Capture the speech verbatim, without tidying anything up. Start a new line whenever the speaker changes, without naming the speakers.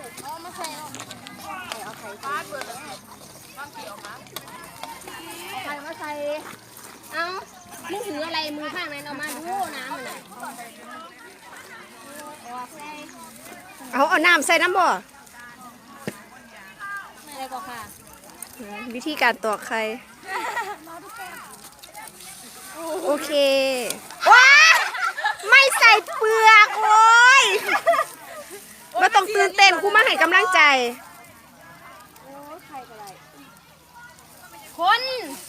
เอามาใส่เอาไข่ปลาเปิดเลยปลาเขียวมาไข่มาใส่เอามึงถืออะไรมือข้างนั้นเอามาดูน้ำมันน่ะ
เอาเอาน้ำใส่น้ำบ่
ไม่ได้ก็ค่ะ
วิธีการตอกไข่โอเคว้าไม่ใส่เปลือกโอ้ยมาต้องตื่นเต้นกูมาให้กำลังใจ
คน